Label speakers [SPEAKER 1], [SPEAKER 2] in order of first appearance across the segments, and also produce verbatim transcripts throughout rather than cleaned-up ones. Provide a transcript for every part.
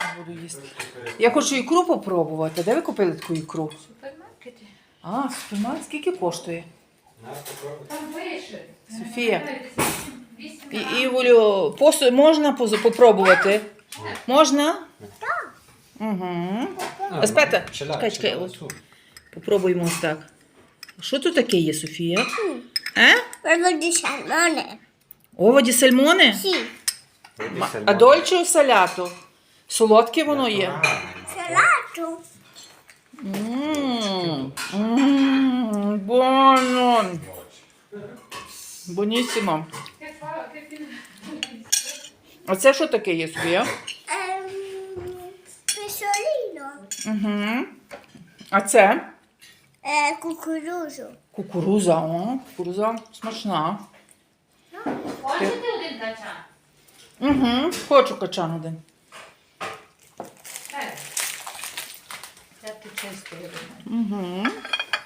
[SPEAKER 1] буду їсти. Я хочу ікру попробувати. Де ви купили таку ікру?
[SPEAKER 2] В супермаркеті.
[SPEAKER 1] А, супермаркет. Скільки коштує?
[SPEAKER 2] Там пише.
[SPEAKER 1] Софія. І, Ігорю, посу можна позу- попробувати? Можна? Так. Угу. Аспета, чекай, чекай. От. Попробуємо ось так. Що тут таке є, Софія? Е?
[SPEAKER 3] Uovo di salmone.
[SPEAKER 1] Оводі сальмони?
[SPEAKER 3] Sì,
[SPEAKER 1] А дольче у саляту? Солодке воно є?
[SPEAKER 3] salato.
[SPEAKER 1] Ммм, ммм, буоно. Бонісімо. А це що таке є, Софія?
[SPEAKER 3] Ehm, pesciolino.
[SPEAKER 1] Угу. А це?
[SPEAKER 3] Eh, cucuruso.
[SPEAKER 1] Кукуруза. О, кукуруза смачна.
[SPEAKER 2] Хочете один качан?
[SPEAKER 1] Угу. Хочу качан один.
[SPEAKER 2] Так. Це ти чисто, я думаю.
[SPEAKER 1] Угу.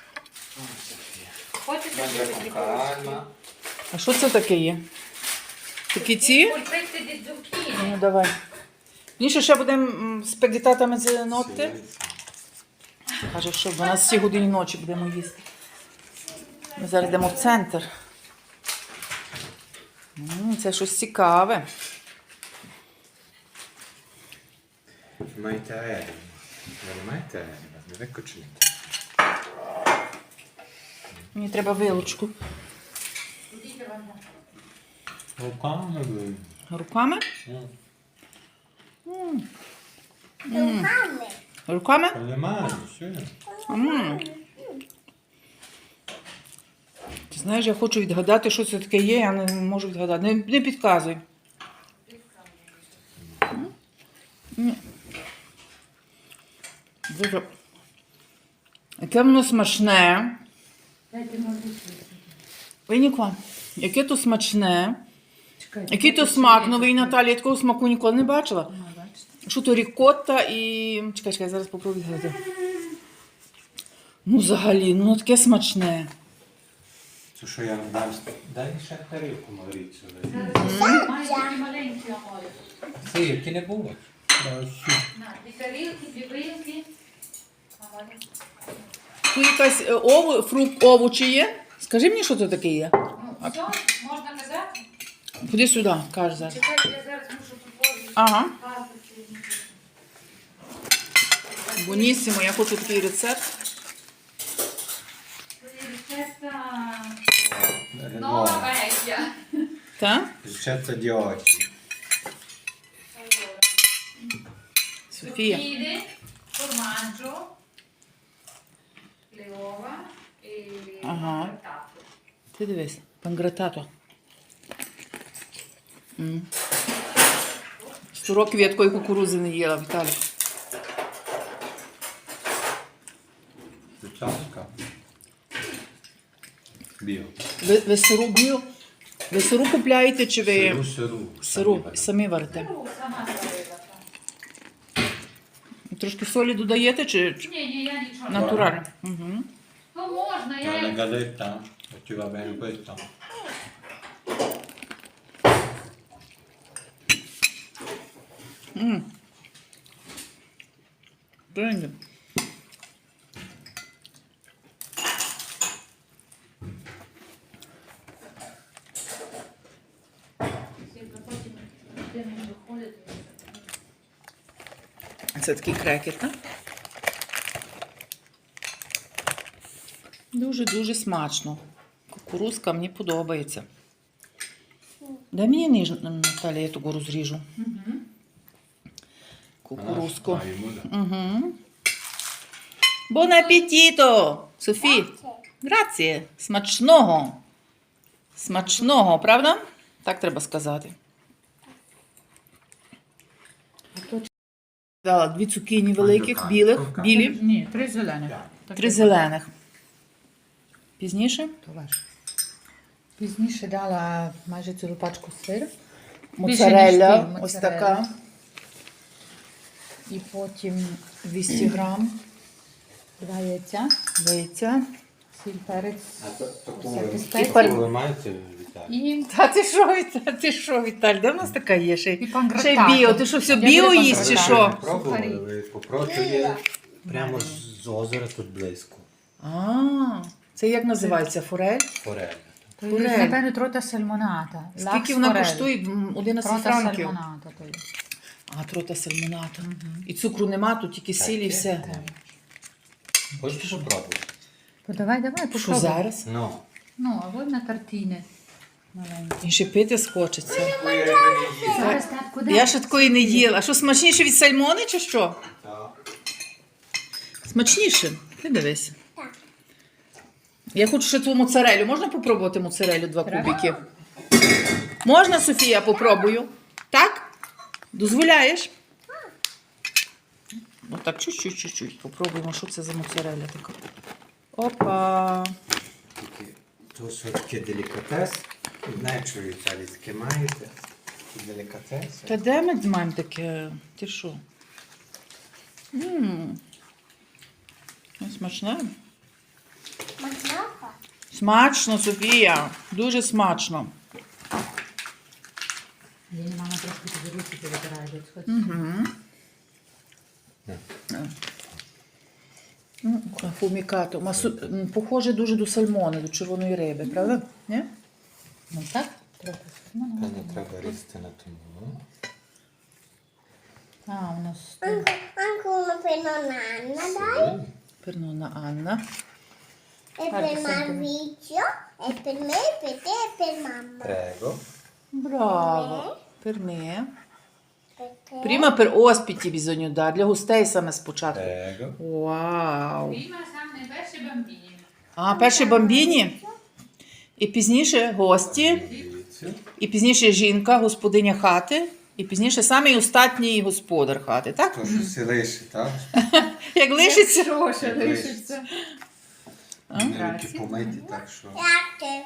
[SPEAKER 2] Хочете щось
[SPEAKER 4] Calma.
[SPEAKER 1] А що це таке є? Такі ці?
[SPEAKER 2] Пульпити di zucchine.
[SPEAKER 1] Ну, давай. Ніше ще будемо м, з пегітатами з ногти. Каже, що в дванадцятій годині ночі будемо їсти. Ми зараз йдемо в центр. М, Це щось цікаве.
[SPEAKER 4] Mai te, non mai te, non è cucina.
[SPEAKER 1] Мені треба вилочку.
[SPEAKER 4] Rukami.
[SPEAKER 1] Руками?
[SPEAKER 3] Rukami.
[SPEAKER 1] Руками?
[SPEAKER 4] Con le mani, sì.
[SPEAKER 1] М. Ти знаєш, я хочу відгадати, що це таке є, я не можу відгадати. Не, не підказуй. М. Ні. Дуже. Яке воно смачне.
[SPEAKER 2] Дайте можливість.
[SPEAKER 1] Винікла. Яке то смачне. Який то смак новий, Наталія, я такого смаку ніколи не бачила. Що то рікотта і... Чекай, чекай, зараз попробую відгадати. Ну, взагалі, ну таке смачне.
[SPEAKER 4] Це що я дам? Дай ще тарілку, Мавріцю.
[SPEAKER 2] Маєш такі маленькі амори.
[SPEAKER 4] Sì, che ne vuoi?
[SPEAKER 2] На, дві тарілки, дві вилки. Амори.
[SPEAKER 1] Тут якась е, ову, фрукт, овочі є. Скажи мені, що це таке є.
[SPEAKER 2] Ну, все, можна казати?
[SPEAKER 1] Ходи сюди, каже зараз.
[SPEAKER 2] Чекайте, я зараз мушу попробувати.
[SPEAKER 1] Ага.
[SPEAKER 2] Пазити.
[SPEAKER 1] Бонісімо, я хочу такий рецепт.
[SPEAKER 2] Рецепта нова vecchia.
[SPEAKER 1] Так?
[SPEAKER 4] Ricetta di oggi.
[SPEAKER 2] Allora,
[SPEAKER 1] Софія.
[SPEAKER 2] zucchine, formaggio, le uova e
[SPEAKER 1] Ага.
[SPEAKER 2] il grattato.
[SPEAKER 1] Ти дивись, пангратато. М. Сто років я такої кукурузи не їла, Віталій.
[SPEAKER 4] Ciasca. Bio.
[SPEAKER 1] Ви, ви сиру б'ю? Ви сиру купляєте чи ви
[SPEAKER 4] Сиру, сиру.
[SPEAKER 1] сиру самі варите?
[SPEAKER 2] Ну, сама зробила.
[SPEAKER 1] Трошки солі додаєте чи чи
[SPEAKER 2] Ні, ні, я нічого.
[SPEAKER 1] натурально? Угу.
[SPEAKER 2] Ну, можна,
[SPEAKER 4] C'è una
[SPEAKER 2] я...
[SPEAKER 4] galletta? O ti va bene questo?
[SPEAKER 1] М. Прийде.
[SPEAKER 2] Потім будемо виходити.
[SPEAKER 1] Це такий крекер, так? Дуже-дуже смачно. Кукурузка мені подобається. Дай мені ніж, Наталя, я того розріжу. Кукурузку.
[SPEAKER 4] Ah, aiuto.
[SPEAKER 1] Угу. Бон апетіто! Софі, грація. Смачного. Смачного, правда? Так треба сказати. Дала дві цукіні великих, білих, білі,
[SPEAKER 5] Ні, три зелених.
[SPEAKER 1] три зелених. Пізніше?
[SPEAKER 5] То ваш. Пізніше дала майже цілу пачку сиру.
[SPEAKER 1] Моцарелла,
[SPEAKER 5] Більше, ніж пів
[SPEAKER 1] ось
[SPEAKER 5] моцарелли.
[SPEAKER 1] така.
[SPEAKER 5] І потім двісті грам, два яйця,
[SPEAKER 1] Яйця.
[SPEAKER 5] сіль, перець.
[SPEAKER 4] Ah, to- to
[SPEAKER 5] Всякі
[SPEAKER 4] come-
[SPEAKER 5] спеції.
[SPEAKER 4] come mai te- Віталій.
[SPEAKER 5] І,
[SPEAKER 1] Та ти що, Віталь, ти що, Віталь, де в нас така є? Ще,
[SPEAKER 5] і
[SPEAKER 1] й-
[SPEAKER 5] пангратати.
[SPEAKER 1] ще й біо. Ти що, все
[SPEAKER 5] Я
[SPEAKER 1] біо
[SPEAKER 5] люблю
[SPEAKER 1] їсть чи
[SPEAKER 5] пангратати.
[SPEAKER 1] що?
[SPEAKER 4] Пробували,
[SPEAKER 5] Сухарі.
[SPEAKER 4] ви попробуйте. Прямо з озера тут близько.
[SPEAKER 1] А, це як називається? Форель?
[SPEAKER 4] Форель.
[SPEAKER 5] То є,
[SPEAKER 1] Форель.
[SPEAKER 5] напевно, трота сальмоната.
[SPEAKER 1] Скільки вона коштує? М, одинадцять
[SPEAKER 5] Трота
[SPEAKER 1] франків.
[SPEAKER 5] сальмоната. То є.
[SPEAKER 1] А, трота сальмоната. І цукру нема, тут тільки сіль і
[SPEAKER 4] є,
[SPEAKER 1] все.
[SPEAKER 4] є. Хочеш попробувати?
[SPEAKER 5] То давай, давай,
[SPEAKER 1] Що
[SPEAKER 5] попробуй.
[SPEAKER 1] зараз?
[SPEAKER 4] Ну.
[SPEAKER 5] Ну, а от на тартіни. Маленькі.
[SPEAKER 1] І ще пити схочеться.
[SPEAKER 5] Зараз татку дай.
[SPEAKER 1] Я ще такої не їла. А що, смачніше від сальмони чи що?
[SPEAKER 4] Так.
[SPEAKER 1] Смачніше. Ти дивись.
[SPEAKER 3] Так.
[SPEAKER 1] Я хочу ще ту моцарелю. Можна попробувати моцарелю два
[SPEAKER 5] Треба.
[SPEAKER 1] кубики? Можна, Софія, попробую? Так? Дозволяєш? Ну так, чуть-чуть, чуть-чуть. Попробуємо, що це за моцареля така. Опа.
[SPEAKER 4] Тільки то все-таки делікатес. Знаю, що ви італійське маєте. Це делікатес.
[SPEAKER 1] Та де ми маємо таке? Ти що? Ммм. Смачне?
[SPEAKER 3] Мазафа.
[SPEAKER 1] Смачно, Софія. Дуже смачно.
[SPEAKER 5] Ліна, мама трошки тобі руки повитирає. десь хоч.
[SPEAKER 1] Угу. Фумікато. Масу... м, Похоже дуже до сальмони, до червоної риби, правда? Ні?
[SPEAKER 5] Ну так, трота сальмоната.
[SPEAKER 4] Певно, треба різати на тому.
[SPEAKER 5] А, у нас...
[SPEAKER 3] Anche, anche uno per nonna, dai.
[SPEAKER 1] Пернона Анна.
[SPEAKER 3] E
[SPEAKER 5] Guarda,
[SPEAKER 3] per
[SPEAKER 5] senti.
[SPEAKER 3] Maurizio, e per me, per te e per mamma.
[SPEAKER 4] Прего.
[SPEAKER 1] Браво. Per me.
[SPEAKER 3] Perché?
[SPEAKER 1] Prima per ospiti bisogna dare, для гостей саме спочатку.
[SPEAKER 4] Прего.
[SPEAKER 1] Вау.
[SPEAKER 5] Prima саме перші бамбіні.
[SPEAKER 1] А, перші бамбіні. І пізніше гості.
[SPEAKER 4] Дивіться.
[SPEAKER 1] І пізніше жінка, господиня хати. І пізніше самий остатній господар хати, так?
[SPEAKER 4] То, що си лиши, так?
[SPEAKER 1] Як лишиться.
[SPEAKER 5] Що ще
[SPEAKER 4] Як
[SPEAKER 5] лишиться?
[SPEAKER 4] Вони руки помиті, так що...
[SPEAKER 3] Grazie.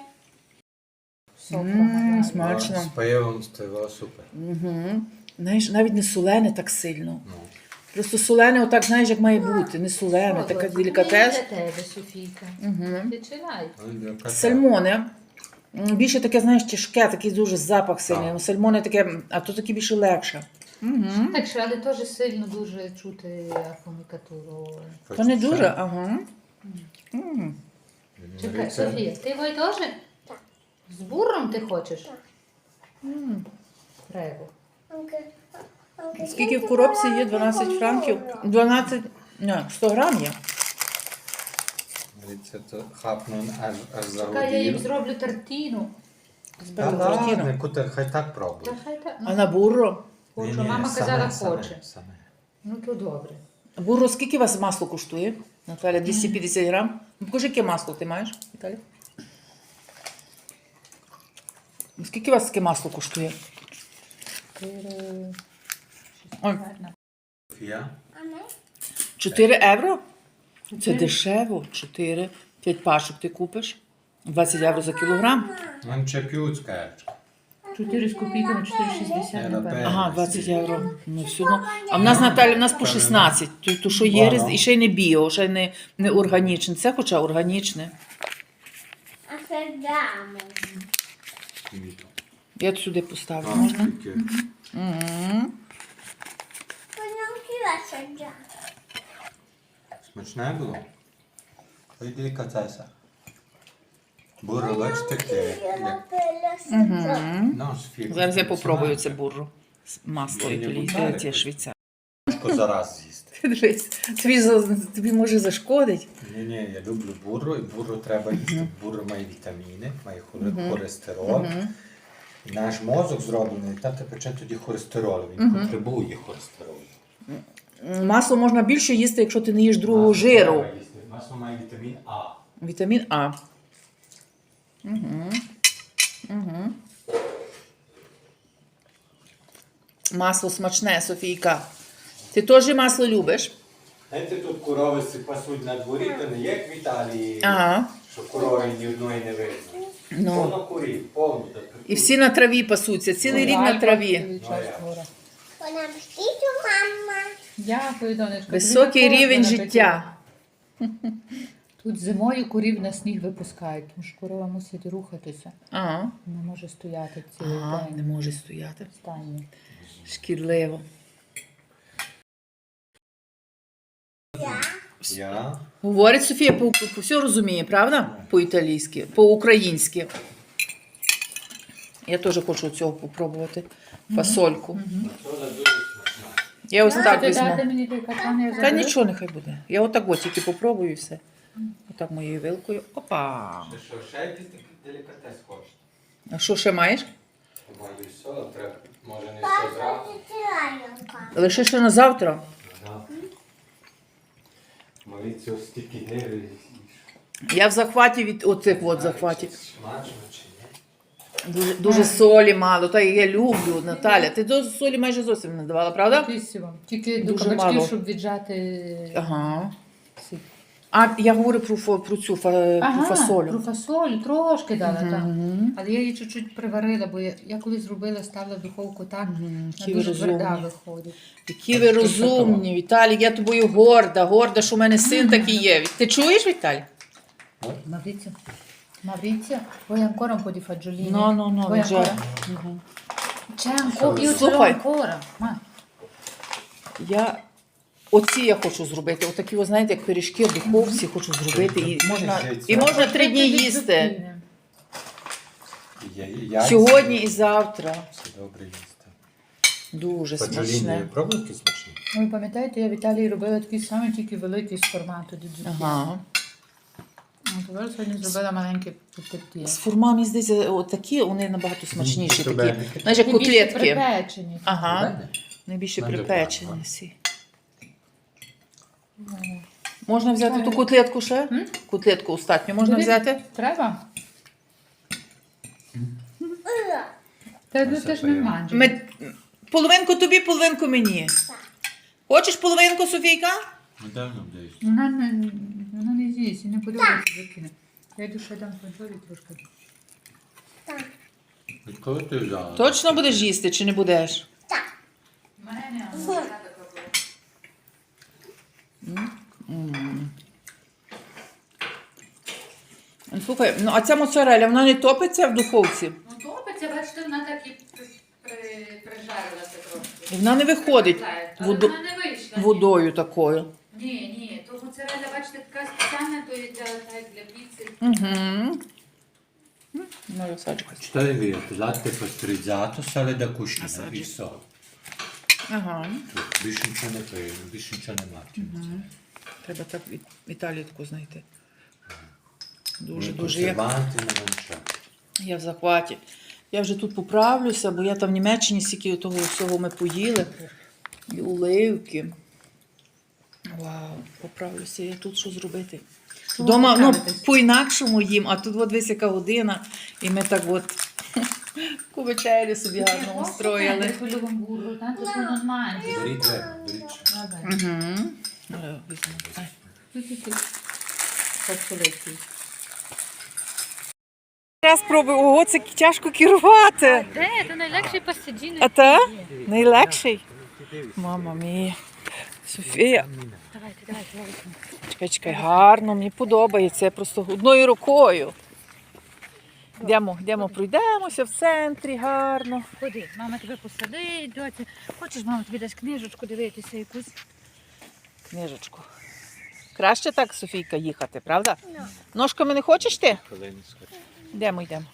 [SPEAKER 1] Ммм,
[SPEAKER 4] О,
[SPEAKER 1] смачно.
[SPEAKER 4] з пивом стояло супер.
[SPEAKER 1] Угу. Знаєш, навіть не солене так сильно.
[SPEAKER 4] Ну.
[SPEAKER 1] Просто солене отак, знаєш, як має бути. Не солене, така делікатес.
[SPEAKER 5] Для тебе, Софійка.
[SPEAKER 1] Угу.
[SPEAKER 5] Починай.
[SPEAKER 4] Ну, делікатес.
[SPEAKER 1] Сальмоне. М, Більше таке, знаєш, тяжке, такий дуже запах сильний.
[SPEAKER 4] Так.
[SPEAKER 1] Сальмоне таке, а то таке більше легше. Угу.
[SPEAKER 5] Так що, але теж сильно дуже чути афомікатуру.
[SPEAKER 1] То не
[SPEAKER 4] Хочеш
[SPEAKER 1] дуже,
[SPEAKER 4] ще?
[SPEAKER 1] ага. М.
[SPEAKER 5] Чекай,
[SPEAKER 4] Мариця?
[SPEAKER 5] Софія, ти його теж?
[SPEAKER 3] Так.
[SPEAKER 5] З буром ти хочеш?
[SPEAKER 3] Так.
[SPEAKER 5] М, Прего.
[SPEAKER 3] Anche, anche
[SPEAKER 1] Скільки
[SPEAKER 3] se
[SPEAKER 1] в коробці є?
[SPEAKER 3] ti
[SPEAKER 1] дванадцять
[SPEAKER 3] vuole
[SPEAKER 1] франків?
[SPEAKER 3] pomodoro.
[SPEAKER 1] дванадцять, ні, сто грам є.
[SPEAKER 4] Мариця, то хапну аж, аж
[SPEAKER 5] Чекай, я їм
[SPEAKER 4] загодів.
[SPEAKER 5] зроблю тартіну.
[SPEAKER 4] Та
[SPEAKER 1] Тартіну.
[SPEAKER 4] ладно, кута, хай так
[SPEAKER 5] Та
[SPEAKER 4] пробує.
[SPEAKER 5] хай так.
[SPEAKER 1] А
[SPEAKER 5] Ну,
[SPEAKER 1] на бурро?
[SPEAKER 5] хочу.
[SPEAKER 4] Ні-ні,
[SPEAKER 5] Мама
[SPEAKER 4] саме,
[SPEAKER 5] казала,
[SPEAKER 4] саме,
[SPEAKER 5] хоче.
[SPEAKER 4] саме.
[SPEAKER 5] Ну то добре.
[SPEAKER 1] Бурро, скільки у вас масло коштує? Наталя, двісті п'ятдесят грам. Ну, покажи, яке масло ти маєш, Наталя. Скільки у вас таке масло коштує? Ой,
[SPEAKER 4] Софія?
[SPEAKER 3] A me?
[SPEAKER 1] чотири євро? Це дешево. чотири. п'ять пачок ти купиш. двадцять євро за кілограм.
[SPEAKER 4] Non c'è più scherzo.
[SPEAKER 5] чотири з копійками, чотири шістдесят,
[SPEAKER 4] Е,
[SPEAKER 5] напевно.
[SPEAKER 4] напевно.
[SPEAKER 1] Ага, двадцять євро. Ну, все одно. А в нас, Наталя, в нас по шістнадцять. То, то що є, різ- і ще й не біо, ще й не, не органічне. Це хоча органічне.
[SPEAKER 3] Assaggiamo.
[SPEAKER 4] Finito.
[SPEAKER 1] Я сюди поставлю,
[SPEAKER 4] А,
[SPEAKER 1] можна?
[SPEAKER 4] тільки.
[SPEAKER 1] Мгм.
[SPEAKER 3] Poi non ci va assaggiare.
[SPEAKER 4] Смачне було? Ой, делікатеса. Бурро, бачите, таке.
[SPEAKER 3] Io la
[SPEAKER 4] як-
[SPEAKER 3] pelle assaggiare.
[SPEAKER 1] Мгм.
[SPEAKER 4] Ну, Софія,
[SPEAKER 1] Зараз я
[SPEAKER 4] купила
[SPEAKER 1] попробую
[SPEAKER 4] сама.
[SPEAKER 1] це бурро. З масло
[SPEAKER 4] Ні, ні,
[SPEAKER 1] італійське,
[SPEAKER 4] бутари.
[SPEAKER 1] ті швейцарське.
[SPEAKER 4] Важко зараз з'їсти.
[SPEAKER 1] Дивись, тобі, за- тобі може зашкодить.
[SPEAKER 4] Ні, ні, я люблю бурро, і бурро треба їсти. Бурро має вітаміни, має хор- холестерол. І наш мозок зроблений, та тече тоді холестерол. Він потребує холестеролу.
[SPEAKER 1] Масло можна більше їсти, якщо ти не їш другого
[SPEAKER 4] Масло
[SPEAKER 1] жиру.
[SPEAKER 4] треба їсти. Масло має вітамін А.
[SPEAKER 1] Вітамін А. Угу. Угу. Масло смачне, Софійка. Ти теж масло любиш?
[SPEAKER 4] Знаєте, тут корови си пасуть на дворі, то не як в Італії,
[SPEAKER 1] Ага.
[SPEAKER 4] що корови ні одної не видно.
[SPEAKER 1] Ну.
[SPEAKER 4] Повно курів, повно.
[SPEAKER 1] І всі на траві пасуться, цілий рік на траві.
[SPEAKER 3] Buon appetito, mamma.
[SPEAKER 5] Дякую, донечко.
[SPEAKER 1] Високий
[SPEAKER 5] Тобі
[SPEAKER 1] рівень
[SPEAKER 5] також
[SPEAKER 1] життя.
[SPEAKER 5] Тут зимою корів на сніг випускають, тому що корова мусить рухатися.
[SPEAKER 1] Ага.
[SPEAKER 5] Не може стояти цілий
[SPEAKER 1] Ага,
[SPEAKER 5] день.
[SPEAKER 1] не може стояти.
[SPEAKER 5] в стані.
[SPEAKER 1] Шкідливо.
[SPEAKER 4] Я.
[SPEAKER 1] Говорить Софія, по, по, все розуміє, правда? По-італійськи, по-українськи. Я теж хочу цього попробувати. Фасольку. Я ось так
[SPEAKER 5] Ти дати
[SPEAKER 1] візьму.
[SPEAKER 5] мені той качан, я
[SPEAKER 1] Та
[SPEAKER 5] заберу?
[SPEAKER 1] нічого нехай буде. Я отак от тільки попробую і все. Отак моєю вилкою. Опа!
[SPEAKER 4] Ти що, ще якийсь такий делікатес хочеш?
[SPEAKER 1] А що ще маєш?
[SPEAKER 4] Маю все, але треба, може не все
[SPEAKER 3] Папа,
[SPEAKER 4] зразу.
[SPEAKER 3] ти тираєнка.
[SPEAKER 1] Лише ще на завтра.
[SPEAKER 4] Ага. Мої цього стільки гири.
[SPEAKER 1] Я в захваті від оцих от захватів.
[SPEAKER 4] Смачно чи ні?
[SPEAKER 1] Дуже, дуже солі мало. Та я люблю, Наталя. Ти до солі майже зовсім не давала, правда?
[SPEAKER 5] Якісіво. Тільки до
[SPEAKER 1] Дуже
[SPEAKER 5] кабачків,
[SPEAKER 1] мало.
[SPEAKER 5] щоб віджати
[SPEAKER 1] Ага.
[SPEAKER 5] сік.
[SPEAKER 1] А я говорю про, фо- про цю фа- про
[SPEAKER 5] Ага,
[SPEAKER 1] фасолю.
[SPEAKER 5] про фасолю трошки дала, так.
[SPEAKER 1] Мгм.
[SPEAKER 5] Але я її чуть-чуть приварила, бо я, я колись зробила, ставила в духовку так, вона
[SPEAKER 1] Які ви
[SPEAKER 5] дуже тверда
[SPEAKER 1] розумні.
[SPEAKER 5] виходить.
[SPEAKER 1] Які ви розумні, Віталій, я тобою горда, горда, що в мене син такий є. Ти чуєш, Віталій?
[SPEAKER 5] Maurizio, Maurizio, vuoi ancora un po' di fagiolini?
[SPEAKER 1] No, no, no,
[SPEAKER 5] Vuoi
[SPEAKER 1] già.
[SPEAKER 5] ancora? C'è ancora, io ce l'ho
[SPEAKER 1] Слухай.
[SPEAKER 5] ancora. Ma
[SPEAKER 1] Я оці я хочу зробити. Отакі, ви знаєте, як пиріжки в духовці хочу зробити. І можна, і можна три дні їсти.
[SPEAKER 4] Я, я,
[SPEAKER 1] Сьогодні і завтра.
[SPEAKER 4] Все добре їсти.
[SPEAKER 1] Дуже
[SPEAKER 4] Фаджоліні
[SPEAKER 1] смачне.
[SPEAKER 4] пробуй які смачні?
[SPEAKER 5] Ви пам'ятаєте, я в Італії робила такі самі, тільки великі з формату діджуки.
[SPEAKER 1] Ага.
[SPEAKER 5] А тепер сьогодні зробила маленькі петті.
[SPEAKER 1] З формами, здається, отакі, вони набагато смачніші.
[SPEAKER 4] Мгм.
[SPEAKER 1] Такі, знаєш, як
[SPEAKER 5] Найбільше
[SPEAKER 1] котлетки.
[SPEAKER 5] припечені.
[SPEAKER 1] Ага. Найбільше
[SPEAKER 4] Мене
[SPEAKER 1] припечені
[SPEAKER 4] добре.
[SPEAKER 1] всі. Можна взяти ту котлетку ще?
[SPEAKER 5] М?
[SPEAKER 1] Котлетку остатню можна
[SPEAKER 5] Бери.
[SPEAKER 1] взяти?
[SPEAKER 5] Треба? Та ну ти ж не манджу.
[SPEAKER 1] Ми... Половинку тобі, половинку мені. Хочеш половинку, Софійка?
[SPEAKER 4] Недавно десь.
[SPEAKER 5] Вона не, вона не з'їсть і не подобається закине. Я йду ще дам фанчолі трошки.
[SPEAKER 4] Коли ти взяла?
[SPEAKER 1] Точно будеш їсти чи не будеш? Слухай, ну а ця моцареля, вона не топиться в духовці?
[SPEAKER 2] Ну, топиться, бачите, вона так і при- при- прижарилася трошки.
[SPEAKER 1] І вона не виходить
[SPEAKER 2] Але
[SPEAKER 1] водо-
[SPEAKER 2] вона не вийшла. ні.
[SPEAKER 1] водою такою.
[SPEAKER 2] Ні, ні, то моцарелля, бачите, така спеціальна, то є для, так, для піци.
[SPEAKER 1] Угу. Ну, я саджу.
[SPEAKER 4] Що я вірю? Latte pastorizzato, sale da cucina і все.
[SPEAKER 1] Ага.
[SPEAKER 4] Тут більше нічого не пиє, більше нічого не мати.
[SPEAKER 1] Треба так від Італію таку знайти. Дуже,
[SPEAKER 4] Дуже,
[SPEAKER 1] дуже. Я,
[SPEAKER 4] консерванти, не нічого.
[SPEAKER 1] я в захваті. Я вже тут поправлюся, бо я там в Німеччині стільки того всього ми поїли. І оливки. Вау, поправлюся. Я тут що зробити? Дома ну, по-інакшому їм, а тут от десь яка година, і ми так от таку вечерю собі гарно устроїли.
[SPEAKER 5] Quello con burro, tanto tu non mangi.
[SPEAKER 4] Беріть двері, беріть ще.
[SPEAKER 5] Vabbè,
[SPEAKER 1] Угу. Візьму. Ай.
[SPEAKER 5] sì, sì, sì. Fazzoletti.
[SPEAKER 1] Раз пробую, ого, це тяжко керувати.
[SPEAKER 5] Де? Це найлегший пасаджін.
[SPEAKER 1] А та? Найлегший? Мама мія. Софія.
[SPEAKER 5] Давайте, давайте, давайте.
[SPEAKER 1] Чекай, чекай, гарно, мені подобається. Я просто одною рукою. Йдемо, йдемо, пройдемося в центрі, гарно.
[SPEAKER 5] Ходи, мама тебе посадить, доці. Хочеш, мама тобі дасть книжечку дивитися якусь?
[SPEAKER 1] Книжечку. Краще так, Софійка, їхати, правда? Ножками не хочеш ти? Йдемо, йдемо.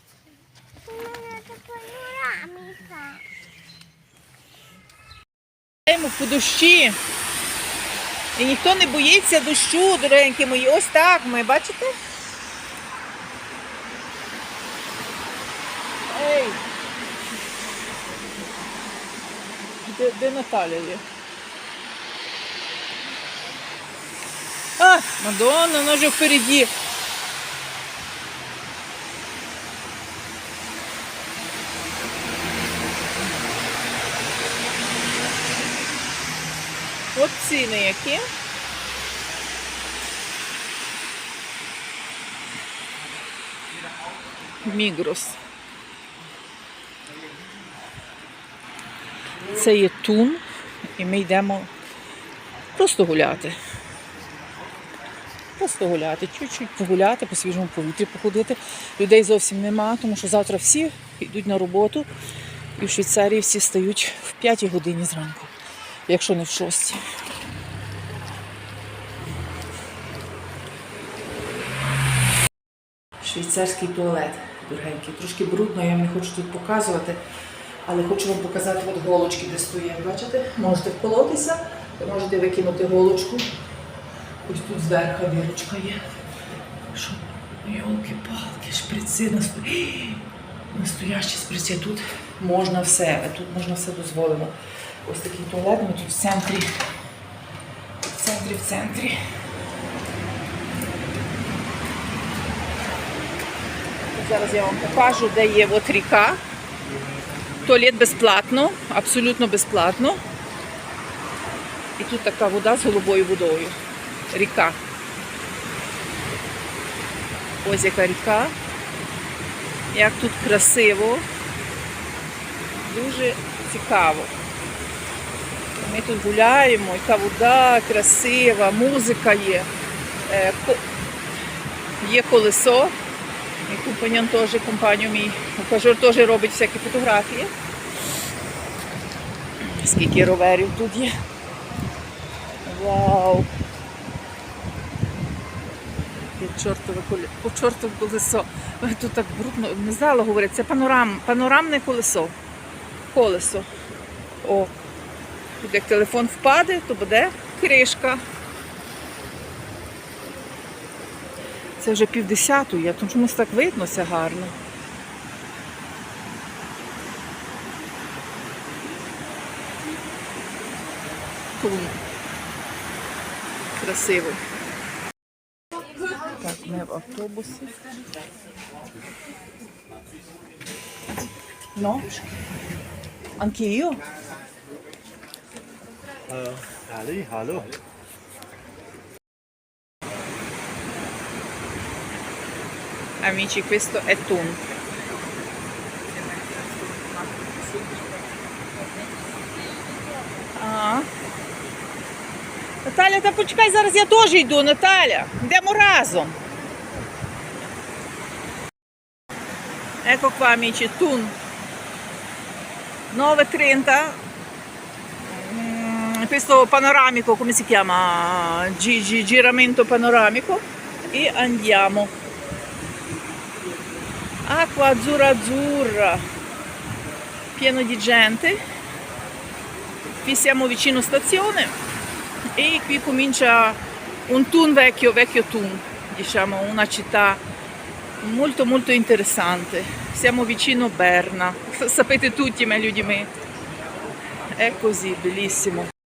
[SPEAKER 1] Йдемо по дощі. І ніхто не боїться дощу, дорогенькі мої. Ось так ми, бачите? Ей! Де, де Наталя є? А, Мадонна, вона вже впереді. От ціни які. Мігрос. Це є Тун, і ми йдемо просто гуляти. просто гуляти, чуть-чуть погуляти, по свіжому повітрі походити. Людей зовсім нема, тому що завтра всі йдуть на роботу. І в Швейцарії всі стають в п'ятій годині зранку, якщо не в шостій. Швейцарський туалет, дорогенький. Трошки брудно, я вам не хочу тут показувати, але хочу вам показати от голочки, де стоять. Бачите? Можете вколотися, можете викинути голочку. Ось тут зверху дірочка є. Що? Йолки-палки, шприци, насто... настоящі шприци. Тут можна все, тут можна все дозволено. Ось такий туалет, ми тут в центрі, в центрі, в центрі. Зараз я вам покажу, де є от ріка. Туалет безплатно, абсолютно безплатно. І тут така вода з голубою водою. Ріка. Ось яка ріка. Як тут красиво. Дуже цікаво. Ми тут гуляємо, яка вода красива, музика є. Є колесо. Мій компаньон теж, компанію мій ухажер теж робить всякі фотографії. Скільки роверів тут є. Вау! По чортове колесо. Тут так брудно, не знала говорити, це панорам, панорамне колесо. Колесо. О, тут як телефон впаде, то буде кришка. Це вже півдесятої, тому чомусь так видно все гарно. Тун. Красиво. Так, ми в автобусі. Ну? Anch'io?
[SPEAKER 6] Uh, Ali, hallo.
[SPEAKER 1] Amici, questo è Thun. Ага. Наталя, та почекай, зараз я теж йду, Наталя. Йдемо разом. Ecco qua, amici, Thun. nove e trenta. Mm, questo panoramico, come si chiama? Gi- gi- giramento panoramico. E andiamo. Acqua azzurra azzurra, pieno di gente. Qui siamo vicino stazione e qui comincia un Thun vecchio, vecchio Thun, diciamo una città molto molto interessante. Siamo vicino Berna, sapete tutti meglio di me. È così, bellissimo.